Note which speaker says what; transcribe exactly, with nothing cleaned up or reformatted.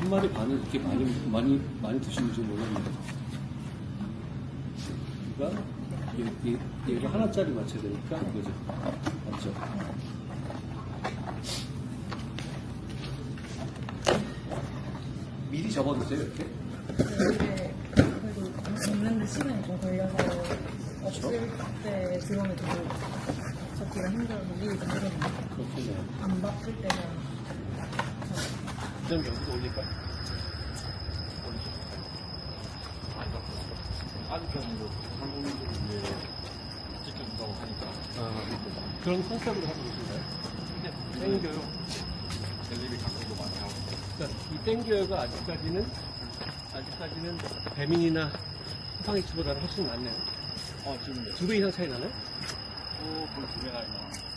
Speaker 1: 한 마리 반을 이렇게 많이, 많이, 많이 드시는지 몰랐네요. 그러니까, 얘, 얘, 얘가 하나짜리 맞춰야 되니까, 이거죠. 맞죠? 미리 접어두세요, 이렇게.
Speaker 2: 네, 그래도 먹는데 시간이 좀 걸려서 없을 때 들어오면 좀 접기가 힘들어서 미리 좀 해놓는
Speaker 1: 그렇겠네요.
Speaker 2: 안 바쁠 때는
Speaker 1: 좀 여기서 올릴까?
Speaker 3: 아직까지 뭐 한국인들이 이제 지켜준다고 하니까
Speaker 1: 아, 그런 컨셉으로 하고 계신가요?
Speaker 3: 근데 땡겨요. 텔레비 강조도 많이 하고.
Speaker 1: 그러니까 이 땡겨요가 아직까지는, 아직까지는 배민이나 쿠팡이츠보다는 훨씬 낫네요.
Speaker 3: 어 지금
Speaker 1: 두 배 이상 차이 나나요?
Speaker 3: 또 거의 두 배나 있나.